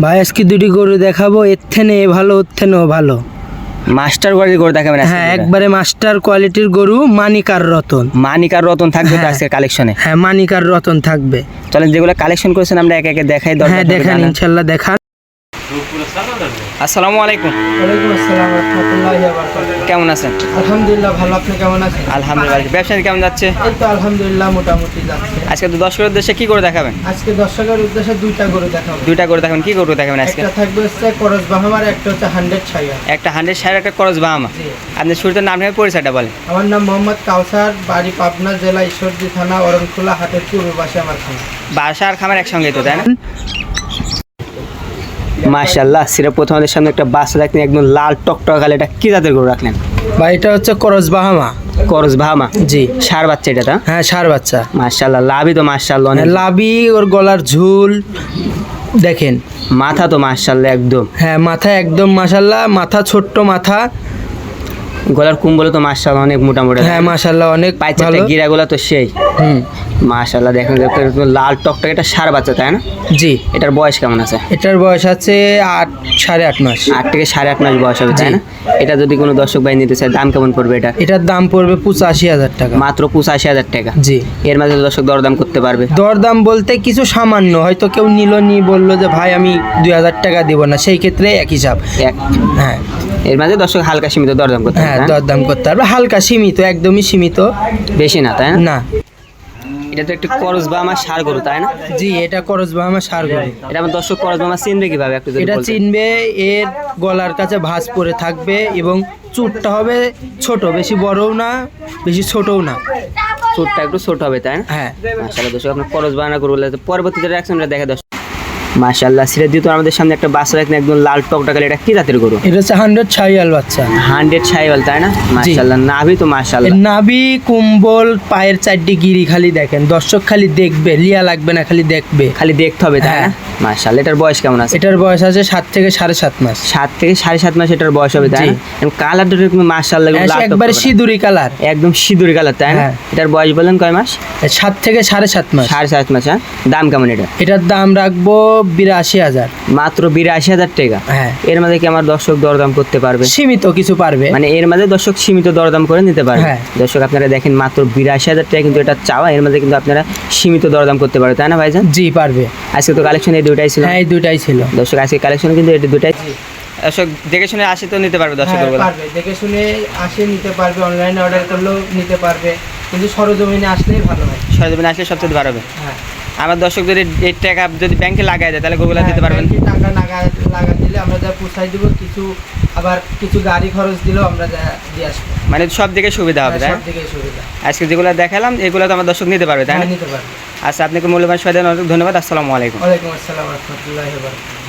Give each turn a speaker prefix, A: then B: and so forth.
A: ভাই আজকে দুটি গরু দেখাবো, এর থেকে ভালো ওর থেকেও ভালো।
B: মাস্টার কোয়ালিটির গরু দেখাবেন আজকে?
A: হ্যাঁ, একবারে মাস্টার কোয়ালিটির গরু। মানিকার রতন।
B: মানিকার রতন থাকবে তো আজকের কালেকশনে?
A: হ্যাঁ, মানিকার রতন থাকবে।
B: চলেন যেগুলো কালেকশন করেছেন আমরা একে একে দেখাই।
A: হ্যাঁ দেখান, ইনশাল্লাহ দেখান।
B: আসসালামু আলাইকুম।
A: ওয়ালাইকুম আসসালাম ওয়া রাহমাতুল্লাহি ওয়া বারাকাতুহু।
B: কেমন আছেন?
A: আলহামদুলিল্লাহ ভালো, আপনি কেমন আছেন?
B: আলহামদুলিল্লাহ। ব্যবসা কেমন যাচ্ছে?
A: এই তো আলহামদুলিল্লাহ মোটামুটি যাচ্ছে।
B: আজকে তো দর্শকের উদ্দেশ্যে কি করে দেখাবেন?
A: আজকে দর্শকের উদ্দেশ্যে দুইটা গরু দেখাবো।
B: দুইটা করে দেখাবেন। কি গরু দেখাবেন আজকে?
A: একটা থাকবে হচ্ছে করজ বাহামার, একটা হচ্ছে 100 ছাইয়া।
B: একটা 100 একটা করজ বাহামা।
A: জি।
B: আপনি শুরুতে নাম নেবেন, পরিচয়টা বলেন।
A: আমার নাম মোহাম্মদ কাউসার, বাড়ি পাবনা জেলা ঈশ্বরদী থানা অরণখোলা হাটের পূর্ব পাশে আমার খামার।
B: বাসা আর খামার একসঙ্গেই তো, তাই না? মাশাআল্লাহ, সিরা প্রথম আমাদের সামনে একটা বাচ্চা রাখলেন, একদম লাল টকটক কালো। এটা কি জাতের গরু রাখলেন?
A: ভাই এটা হচ্ছে করজ বাহামা।
B: করজ বাহামা?
A: জি।
B: ষাঁড় বাচ্চা এটা তো?
A: হ্যাঁ, ষাঁড় বাচ্চা।
B: মাশাআল্লাহ, লাভই তো মাশাআল্লাহ অনেক।
A: লাভি, ওর গলার ঝুল দেখেন।
B: মাথা তো মাশাআল্লাহ একদম।
A: হ্যাঁ, মাথা একদম মাশাআল্লাহ, মাথা ছোট্ট মাথা।
B: গলার কুম্বল তো মাশাআল্লাহ অনেক মোটামুটি।
A: হ্যাঁ মাশাআল্লাহ অনেক
B: পাইছে
A: ভালো।
B: গিরাগুলো তো সেই।
A: হুম।
B: মাশাআল্লাহ দেখেন লাল টকটক। এটা ষাঁড় বাচ্চা তাই না?
A: জি।
B: এটার বয়স কেমন আছে?
A: এটার বয়স আছে 8.5 মাস।
B: 8 থেকে 8.5 মাস বয়স হবে তাই না? এটা যদি কোনো দর্শক ভাই নিতে চায় দাম কেমন পড়বে এটা?
A: এটার দাম পড়বে 85,000 টাকা।
B: মাত্র 85,000 টাকা?
A: জি।
B: এর মাঝে দর্শক দরদাম করতে পারবে?
A: দরদাম বলতে কিছু সামান্য, হয়তো কেউ নিল নি বললো যে ভাই আমি 2,000 টাকা দিব না, সেই ক্ষেত্রে এক হিসাব। হ্যাঁ,
B: এর মাঝে দর্শক হালকা সীমিত দরদাম করতে
A: হ্যাঁ
B: পারবে?
A: দরদাম করতে পারবে, হালকা সীমিত, একদমই সীমিত,
B: বেশি না তাই না?
A: না।
B: এটা তো একটু করজ বা আমার ষাঁড় গরু তাই না?
A: জি, এটা করজ বাহামা ষাঁড় গরু।
B: এটা আমার দর্শক করজ বা আমার চিনবে কিভাবে একটু যদি
A: এটা
B: বলতেন?
A: চিনবে, এর গলার কাছে ভাঁজ পরে থাকবে এবং চুটটা হবে ছোট, বেশি বড়ও না বেশি ছোটও না।
B: চোটটা একটু ছোট হবে তাই না?
A: হ্যাঁ।
B: মাশাআল্লাহ দর্শক আপনার করজ বানা গরু বলে পরবর্তীতে রিঅ্যাকশনটা দেখে দর্শক। মাশাআল্লাহ, সিরাজ দিয়ে তো আমাদের সামনে একটা বাচ্চা রাখলেন, একদম লাল টকটক কালো। এটা কি জাতের গরু?
A: এটা হচ্ছে 100 ছাইয়াল বাচ্চা।
B: 100 ছাইওয়াল তাই না? মাশাআল্লাহ, নাভি তো মাশাআল্লাহ।
A: নাভি, কুম্বল, পায়ের 4টি গিরি খালি দেখেন, দর্শক খালি দেখবে, লিয়া লাগবে না, খালি দেখবে,
B: খালি দেখতে হবে তাই না?
A: হ্যাঁ।
B: মাশাআল্লাহ, এটার বয়স কেমন আছে?
A: এটার বয়স আছে 7 থেকে 7.5 মাস।
B: 7 থেকে 7.5 মাস এটার বয়স হবে তাই
A: জি।
B: না? এবং কালারটা কিন্তু মাশাআল্লাহ লাল
A: একবারে
B: টকটক।
A: সিঁদুরি কালার।
B: একদম সিঁদুরি কালার তাই না?
A: হ্যাঁ।
B: এটার বয়স বলেন কয় মাস?
A: 7 থেকে 7.5 মাস।
B: 7.5 মাস। হ্যাঁ, দাম কেমন এটা?
A: এটার দাম রাখবো 82,000।
B: মাত্র 82,000 টাকা?
A: হ্যাঁ।
B: এর মাঝে কি আমার দর্শক দরদাম করতে পারবে?
A: সীমিত কিছু পারবে,
B: মানে এর মাঝে দর্শক সীমিত দরদাম করে নিতে পারবে?
A: হ্যাঁ।
B: দর্শক আপনারা দেখেন মাত্র 82,000 টাকা কিন্তু এটা চাওয়া, এর মাঝে কিন্তু আপনারা সীমিত দরদাম করতে পারবে তাই না ভাইজান?
A: জি পারবে।
B: আজকে তো কালেকশন এই দুইটাই ছিল।
A: হ্যাঁ, এই দুটাই ছিল
B: দর্শক আজকে কালেকশন কিন্তু এটা দুটাই। দর্শক দেখে শুনে আসে তো নিতে পারবে দর্শক?
A: হ্যাঁ, পারবে, দেখে শুনে আসে নিতে পারবে, অনলাইনে অর্ডার করলেও নিতে পারবে, কিন্তু সরজমিনে আসলেই ভালো হয়।
B: সরজমিনে আসলে সবচেয়ে ভালো হবে।
A: হ্যাঁ।
B: আমার দর্শক যদি এই টাকা যদি ব্যাংকে লাগাই দেয় তাহলে গরুগুলা দিতে পারবেন?
A: ব্যাংকে টাকা লাগা দিলে আমরা যা পোষাই দিব, কিছু আবার কিছু গাড়ি খরচ দিলেও আমরা যা দিয়ে আসবো।
B: মানে সব দিকে সুবিধা হবে তাই না?
A: সব দিকে সুবিধা।
B: আজকে যেগুলো দেখালাম এগুলো তো আমার দর্শক নিতে পারবে তাই না?
A: হ্যাঁ, নিতে পারবে।
B: আচ্ছা, আপনাকে মূল্যবান সময় দেন, অনেক ধন্যবাদ। আসসালামু আলাইকুম।
A: ওয়ালাইকুম আসসালাম ওয়া রাহমাতুল্লাহি ওয়া বারাকাতুহু।